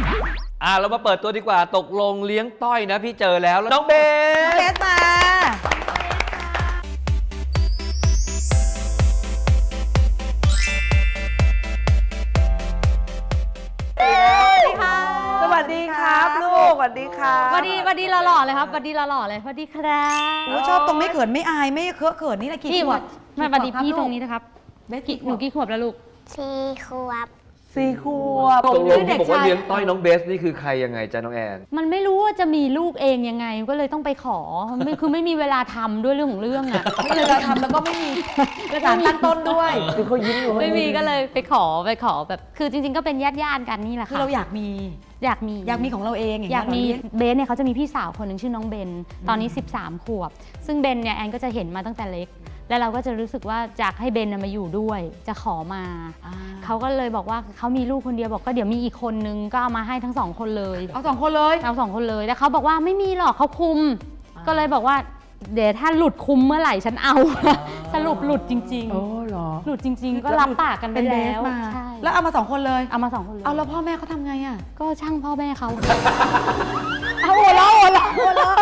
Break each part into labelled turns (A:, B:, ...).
A: เรามาเปิดตัวดีกว่าตกลงเลี้ยงต้อยนะพี่เจอแล้วน้องเบส
B: มา
C: สวัสดีครับลูกสวัสดีครับ
D: สวัสดีหล่อๆเลยครับสวัสดีหล่อๆเลยสวัสดีครับ
B: ชอบตรงไม่เขินไม่อายไม่เคอะเขินนี่แหละกี่ขวบ
D: มาสวัสดีพี่ตรงนี้นะครับหนูกี่ขวบแล้วลูก
E: 4 ขวบ
C: 4 ขวบ
A: ตกลงที่บอกว่าเลี้ยงต้อยน้องเบสนี่คือใครยังไงจ๊ะน้องแอน
D: มันไม่รู้ว่าจะมีลูกเองยังไงก็เลยต้องไปขอคือไม่มีเวลาทำด้วยเรื่องของเรื่องอ่ะ
B: ไม่มีเวลาทำแล้วก็ไม่มีกระสานตั้งต้นด้วย
C: คือเขายิ้มอยู่
D: ไม่มีก็เลยไปขอแบบคือจริงๆก็เป็นญาติกันนี่แหละค่ะ
B: คือเราอยากมีของเราเอง
D: อยากมีเบนเนี่ยเขาจะมีพี่สาวคนหนึ่งชื่อน้องเบนตอนนี้13 ขวบซึ่งเบนเนี่ยแอนก็จะเห็นมาตั้งแต่เล็กแล้วเราก็จะรู้สึกว่าอยากให้เบนมาอยู่ด้วยจะขอมาเขาก็เลยบอกว่าเขามีลูกคนเดียวบอกก็เดี๋ยวมีอีกคนนึงก็เอามาให้ทั้ง2 คนเลย
B: เอา2 คนเลย
D: แล้วเขาบอกว่าไม่มีหรอกเขาคุมก็เลยบอกว่าเดี๋ยวถ้าหลุดคุมเมื่อไหร่ฉันเอาสรุปหลุดจริงๆ
C: โอ้หรอ
D: หลุดจริงๆก็รับปากกันไปแล้ว
B: ใช่แล้วเอามา2 คนเลย
D: เอามา2 คนเลย
B: เอาแล้วพ่อแม่เขาทำไงอ่ะ
D: ก็ช่างพ่อแม่เขา
B: เอาหัวเราะ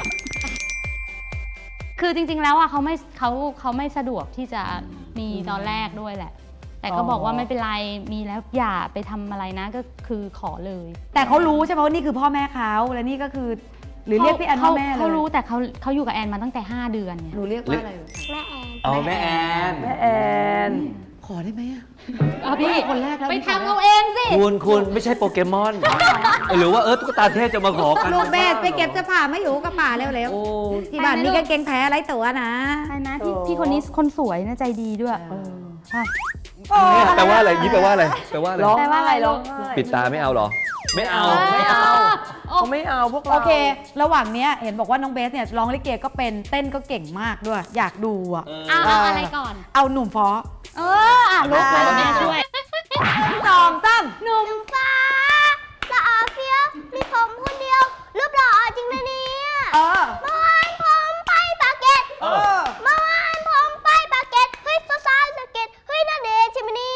D: คือจริงๆแล้วอ่ะเขาไม่สะดวกที่จะมีตอนแรกด้วยแหละแต่ก็บอกว่าไม่เป็นไรมีแล้วอย่าไปทำอะไรนะก็คือขอเลย
B: แต่เขารู้ใช่ไหมว่านี่คือพ่อแม่เขาและนี่ก็คือหรือเรียกพี่แอนว่าแม่เลย
D: เขารู้แต่เขาอยู่กับแอนมาตั้งแต่5 เดือนเนี่ย
B: หนูเรียกว่าอะไร
E: แม่แอน
A: แม่แอน
B: ขอได้ไหมอ่ะ
D: พี่
B: คนแรกแล้ว
D: ไปทำเอาเองสิ
A: คุณไม่ใช่โปเกมอนหรือว่าตุ๊กตาเทพจะมาขอกัน
B: ลูกเบสไปเก็บเสื้อผ้าไม่อยู่กับป่าเร็วๆที่บ้านมีกางเกงแท้ไรตัวนะ
D: ใช่นะพี่คนนี้คนสวยนะใจดีด้วยใช่
A: แปลว่าอะไรยิ้มแปลว่าอะไร
C: ร้องไห้ร้องไห้
A: ปิดตาไม่เอาหรอไม่เอา
C: เขาไม่เอาพวกเรา
B: โอเคระหว่างนี้เห็นบอกว่าน้องเบสเนี่ยร้องลิเกก็เป็นเต้นก็เก่งมากด้วยอยากดูอ่ะ
D: เอาอะไรก่อน
B: เอาหนุ่มฟ้อ
D: ลูกมาแม่ช่วย
B: 2 3
E: หนุ่มฟ้าละอาเฟี้ยวมีผมคนเดียวรูปหล่อจริงนะเนี่ยเมื่อวานผมไปปากเกร็ดเมื่อวานผมไปปากเกร็ดเฮ้ยสาวๆสะเก็ดเฮ้ยน่าเดชใช่ไหมนี่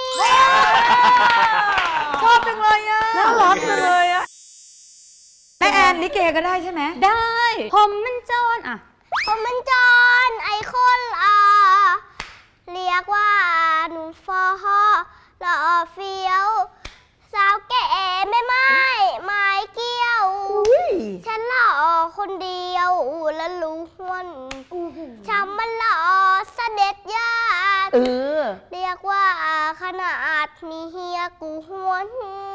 B: ชอบจังเลยอ่ะ
C: น่ารักจังเลยอ่ะ
B: แม่แอนลิเกก็ได้ใช่ไหม
D: ได้ผมมันโจร
E: ผมมันจอนไอคนเรียกว่าหนุ่มฟอหล่อเฟี้ยวสาวแก่ไม่ไม้เกี้ยวฉันหล่อคนเดียวและล้วนฉันมันหล่อเสด็จญาติเรียกว่าขนาดมีเฮียกูหวน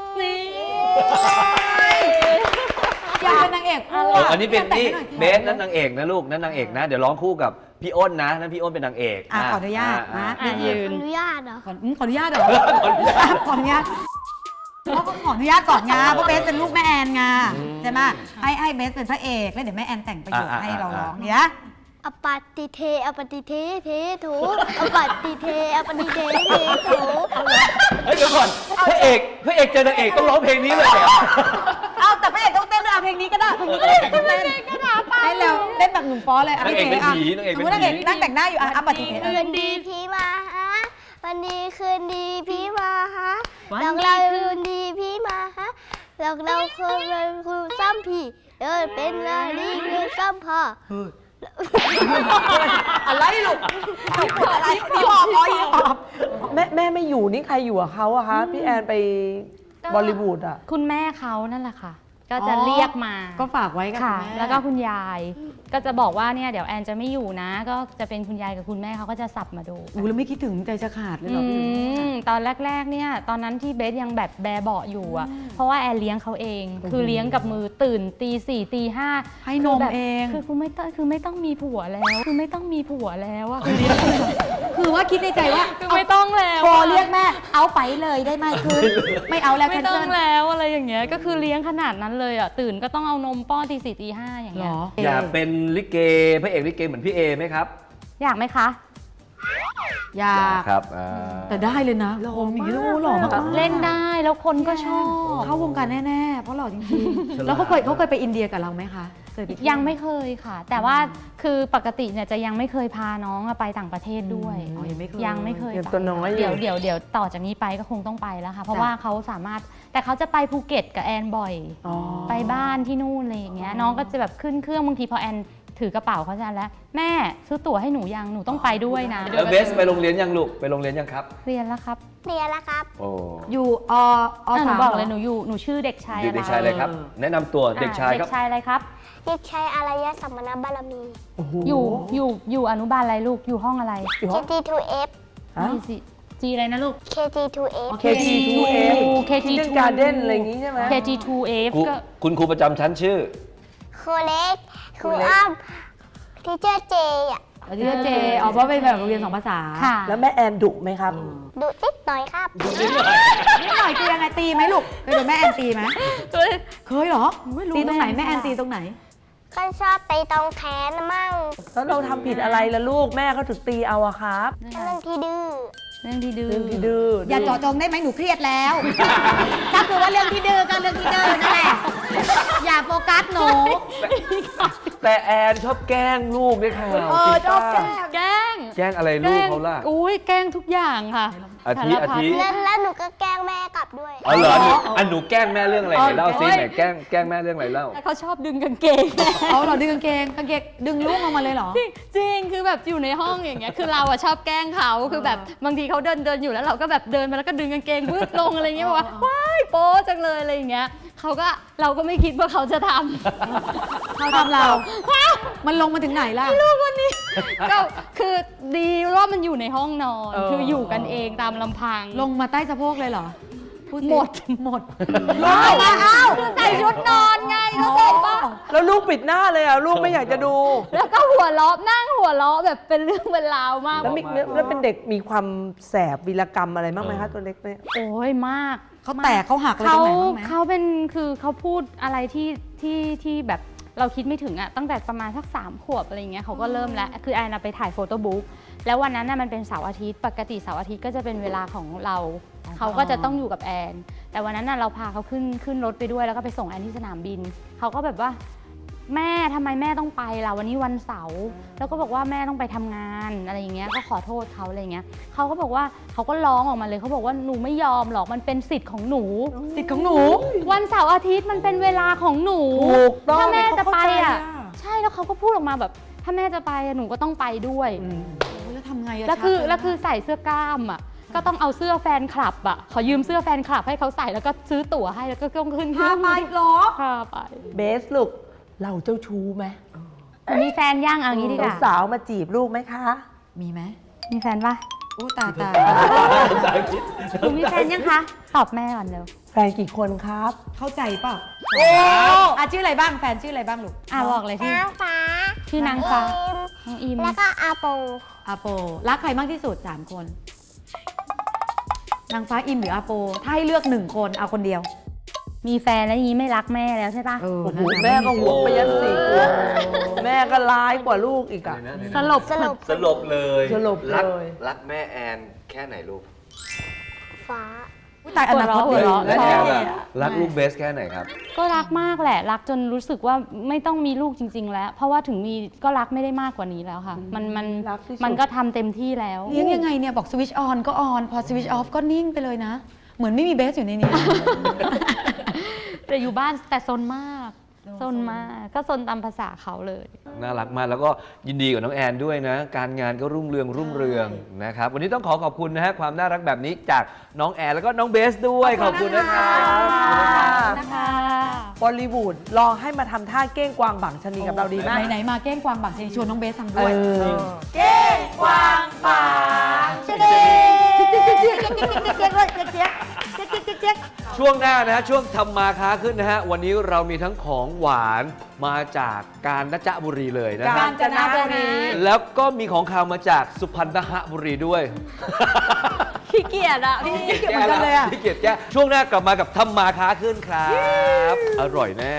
B: อยากเป็นนางเอก
A: อันนี้เป็นนี่เบสนั่นนางเอกนะลูกนั่นนางเอกนะเดี๋ยวร้องคู่กับพี่อ้นนะนั่นพี่อ้นเป็นนางเอก
B: ขออนุญาตนะ
E: ยืนขออนุญาตเหรอ
B: ขออนุญาตเหรอขออนุญาตเขาก็ขออนุญาตก่อนไงเพราะเบสเป็นลูกแม่แอนไงใช่ไหมให้เบสเป็นพระเอกแล้วเดี๋ยวแม่แอนแต่งประโยคให้เราร้องเนี่ย
E: อปฏิเทอปฏิเทเทถูอปฏิเทอปฏิเทเทถู
A: เดี๋ยวก่อนพระเอกเจอนางเอกต้องร้องเพลงนี้เลยเหรอ
B: เอาแต่พระเอกต้องเต้นด้วยเพลงนี้ก็ได้เพลงนี้ก็ได้เต้นให้เราเต้นแบบหนุ่มฟ้อเลย
A: นางเอกเป็นผี
B: สมมตินางเอกนั่งแต่งหน้าอยู่อปฏิเท
E: คืนดีพี่มาฮะวันดีคืนดีพี่มาฮะเราคืนดีพี่มาฮะเราคือซ้ำพี่เป็นอะไรคือซ้ำพ่อ
B: อะไรลูกอะไรพี่บอก
C: แม่ไม่อยู่นี่ใครอยู่กับเขาอะคะพี่แอนไปบอลลีวูดอะ
D: คุณแม่เขานั่นแหละค่ะก็จะเรียกมา
B: ก็ฝากไว้กับคุณแม่
D: แล้วก็คุณยายก็จะบอกว่าเนี่ยเดี๋ยวแอนจะไม่อยู่นะก็จะเป็นคุณยายกับคุณแม่เขาก็จะสับมาดู
B: แล้วไม่คิดถึงใจจะขาดเลยหรอ
D: ตอนแรกๆเนี่ยตอนนั้นที่เบสยังแบบแบเบาะอยู่อ่ะเพราะว่าแอนเลี้ยงเขาเองคือเลี้ยงกับมือตื่นตี 4 ตี 5
B: ให้นมเอง
D: คือไม่ต้องมีผัวแล้วอะ
B: คือว่าคิดในใจว่า
D: ไม่ต้องแล้ว
B: พอเรียกแม่เอาไปเลยได้ไหมคือไม่เอาแล้ว
D: ไม่ต้องแล้วอะไรอย่างเงี้ยก็คือเลี้ยงขนาดนั้นเลยอ่ะตื่นก็ต้องเอานมป้อนตี 4 ตี 5อย่างเงี้ย
A: อยากเป็นลิเกพระเอกลิเกเหมือนพี่เอไหมครับ
D: อยากไหมคะ
B: อยาก
A: ครับ
B: แต่ได้เลยนะคมอย่างนี้หล่อมาก
D: เล่นได้แล้วคนก็ชอบ
B: เข้าวงการแน่ๆเพราะหล่อจริงๆแล้วเขาเคยไปอินเดียกับเราไหมคะ
D: ยังไม่เคยค่ะแต่ว่าคือปกติเนี่ยจะยังไม่เคยพาน้องไปต่างประเทศด้วยยังไม่เคย
C: ตัวน้อย
D: เดี๋ยวต่อจากนี้ไปก็คงต้องไปแล้วค่ะเพราะว่าเขาสามารถแต่เขาจะไปภูเก็ตกับแอนบ่อย
C: อ๋อ
D: ไปบ้านที่นู่นอะไรอย่างเงี้ยน้องก็จะแบบขึ้นเครื่องบางทีพอแอนถือกระเป๋าเขาจะแล้วแม่ซื้อตั๋วให้หนูยังหนูต้องไปด้วยนะ
A: แล้วเบสไปโรงเรียนยังลูกไปโรงเรียนยังครับ
D: เรียนแล้วครับ
E: เรียนแล้วครับ
A: โอ้
B: อยู่อ
D: หนู
B: สาม
D: บอก
B: หร
D: เลยหนูชื่อเด็กชาย
A: เด็กชายอะไรครับ แนะนำตัวเด็กชาย
D: เด็
A: ครับ
D: กชายอะไรครับ
E: เด็กชายอารยสัมมณบารมี
C: โอ้โห
D: อยู่อนุบาลอะไรลูกอยู่ห้องอะไร
C: อยู่ห้อง
E: KT2F
C: ฮะ
D: จีอะไรนะลูก
E: KT2F
C: KT2F
D: KT2
C: Kindergarten Garden อะไรอย่างงี้ใช่ไหม
D: KT2F
A: ครู
D: ก็
A: คุณครูประจำชั้นชื่อ
E: ครูเล็ก ค
C: ครู
E: รู
C: เล็ก
E: อ้อมทีเจอร์เจอ่ะ
B: ที่เจเพราะเป็นแบบโรงเรียน2 ภาษา
D: ค่ะ
C: แล้วแม่แอนดุไหมครับ
E: ดุนิดหน่อยครับ
B: นิดหน่อยคือยังไงตีไหมลูกเคยโดนแม่แอนตีไหมเคยเหรอตีตรงไหนแม่แอนตีตรงไหน
E: ก็ชอบไปตรงแขนมั่ง
C: แล้วเราทำผิดอะไรล่ะลูกแม่เขาถึงตีเอาอะครับ
E: เรื่องที่ดื้อ
D: เรื่องที่ดื้อ
C: เรื่องที่ดื้อ
B: อย่าเจาะจงได้ไหมหนูเครียดแล้ว ถ้าคือว่าเรื่องที่ดื้อก็เรื่องที่ดื้อนั่นแหละ อย่าโฟกัสหนู
A: แต่แอนชอบแกล้งลูกด้วยค่ะ
B: ชอบแกล้ง
D: แกล้ง
A: แกล้งอะไรลูกเขาล่ะ
D: อุ้ยแกล้งทุกอย่างค่ะ
A: อาทิ
D: สารพัด
A: อาทิ
E: แล้วหนูก็แกล้งแม่กลับด้วย
A: อ๋อเหรอหนูแกล้งแม่เรื่องอะไรไหนเล่าซิไหนแกล้งแม่เรื่องอะไรเล่า
D: แต่เขาชอบดึงกางเกง
B: เอาเหรอดึงกางเกงดึงลูกออกมาเลยเหรอ
D: จริงคือแบบอยู่ในห้องอย่างเงี้ยคือเราอะชอบแกล้งเขาคือแบบบางทีเขาเดินอยู่แล้วเราก็แบบเดินไปแล้วก็ดึงกางเกงวืดลงอะไรเงี้ยบอกว่าว้ายโป๊จังเลยอะไรอย่างเงี้ยเราก็ไม่คิดว่าเขาจะทำ
B: เขาทำเรา มันลงมาถึงไหนล่ะ
D: ลูกวันนี้ ก็คือดีว่ามันอยู่ในห้องนอนคืออยู่กันเองตามลำพัง
B: ลงมาใต้สะโพกเลยเหรอพูสิ
D: หมด
B: หมด
C: ลงมาอ้าว
D: ใส่ชุดนอนไงเข้าใจปะ
C: แล้วลูกปิดหน้าเลยอะลูกไม่อยากจะดู
D: แล้วก็หัวเราะนั่งหัวเราะแบบเป็นเรื่องเป็นราวมาก
C: แล้วแล้วเป็นเด็กมีความแสบวีรกรรมอะไรบ้างไหมคะตัวเล็กเนี่ย
D: โอ้ยมาก
B: เขาแตกเขาหักอะไรตรงไหนบ้างไหม
D: เขาเป็นคือเขาพูดอะไรที่แบบเราคิดไม่ถึงอะตั้งแต่ประมาณสัก3 ขวบอะไรเงี้ยเขาก็เริ่มแล้วคือแอนไปถ่ายโฟโต้บุ๊กแล้ววันนั้นน่ะมันเป็นเสาร์อาทิตย์ปกติเสาร์อาทิตย์ก็จะเป็นเวลาของเราเขาก็จะต้องอยู่กับแอนแต่วันนั้นน่ะเราพาเขาขึ้นรถไปด้วยแล้วก็ไปส่งแอนที่สนามบินเขาก็แบบว่าแม่ทำไมแม่ต้องไปล่ะวันนี้วันเสาร์แล้วก็บอกว่าแม่ต้องไปทำงานอะไรอย่างเงี้ยก็ขอโทษเขาอะไรเงี้ยเขาก็บอกว่าเขาก็ร้องออกมาเลยเขาบอกว่าหนูไม่ยอมหรอกมันเป็นสิทธิ์ของหนู
B: สิทธิ์ของหนู
D: วันเสาร์อาทิตย์มันเป็นเวลาของหนู
C: ถูกต้อง
D: ถ้าแม่จะไป
B: เขาเข้าใจ
D: อ่ะ
B: อะ
D: ใช่แล้วเขาก็พูดออกมาแบบถ้าแม่จะไปอะหนูก็ต้องไปด้วย
B: โอ้ยแล้วทำไงอะ
D: แล้วคือ
B: ชักเยนะ
D: แล้วคือใส่เสื้อกล้ามอ่ะก็ต้องเอาเสื้อแฟนคลับอ่ะขอยืมเสื้อแฟนคลับให้เขาใส่แล้วก็ซื้อตั๋วให้แล้วก็ต้องขึ้นเค
B: พา
D: รื่อง
B: ไปเหรอ
D: พาไป
C: เบสลูกเราเจ้าชู้ไหม
D: มีแฟนย่างเอางี้ดีกว่า
C: สาวๆมาจีบลูกไหมคะ
B: มีไหม
D: มีแฟนปะ
B: อู้ตาย
D: หนูมีแฟนยังคะตอบแม่ก่อนเร็ว
C: แฟนกี่คนครับ
B: เข้าใจเปล่าชื่ออะไรบ้างแฟนชื่ออะไรบ้างลูก
D: บอกเลยที่
E: นางฟ้า
D: ชื่อนางฟ้า
E: อิม
D: น้องอิม
E: แล้วก็อาโป
B: อาโปรักใครมากที่สุด3 คนนางฟ้าอิมหรืออาโปถ้าให้เลือก1 คนเอาคนเดียว
D: มีแฟนแล้วอย่างนี้ไม่รักแม่แล้วใช่ปะ
B: โอ้
C: โอ้โห
B: นั่นน่ะ
C: แม่ก็ห่วงไปยัน4 ขวบแม่ก็ร้ายกว่าลูกอีกอะ
D: สลบ
E: สรุป
A: สลบเลย
C: สลบเลย
A: รักแม่แอนแค่ไหนลูก
E: ฟ้า
B: อุ๊ยตายอนาคต
D: หัว
B: ดี
D: เราะ
A: และแอนล่ะ
B: ชอบ
A: รักลูกเบสแค่ไหนครับ
D: ก็รักมากแหละ รักจนรู้สึกว่าไม่ต้องมีลูกจริง ๆ แล้ว เพราะว่าถึงมีก็รักไม่ได้มากกว่านี้แล้วค่ะ มัน
C: รักที่สุด
D: มันก็ทำเต็มที่แล้ว
B: เลี้ยงยังไงเนี่ยบอกสวิตช์ออนก็ออนพอสวิตช์ออฟก็นิ่งไปเลยนะ เหมือนไม่มีเบสอยู่ในนี้
D: แต่อยู่บ้านแต่ซนมากซนมากก็ซนตามภาษาเขาเลย
A: น่ารักมากแล้วก็ยินดีกับน้องแอนด้วยนะ การงานก็รุ่งเรืองนะครับ วันนี้ต้องขอบคุณนะฮะความน่ารักแบบนี้จากน้องแอนแล้วก็น้องเบสด้วยขอบคุณนะครับ
D: นะคะ
C: บอลลีวูดลองให้มาทำท่าเก้งกวางบังชะนีกับเราดีไหม
B: ไหนๆมาเก้งกวางบังชนีชวนน้องเบสทำด้วย
C: เก้งกวางบังชะนี
A: ช่วงหน้านะฮะช่วงทำมาค้าขึ้นนะฮะวันนี้เรามีทั้งของหวานมาจากกาญจนบุรีเลยนะ
C: กา
A: ฮะ
C: ญจนบุรี
A: แล้วก็มีของขาวมาจากสุพรรณบุรีด้วย
D: ขี้เกียจอะพี่
B: ขี้เกียจเหมือนกันเลยอะ
A: ขี้เกียจแก้ช่วงหน้ากลับมากับทำมาค้าขึ้นครับ อร่อยแน่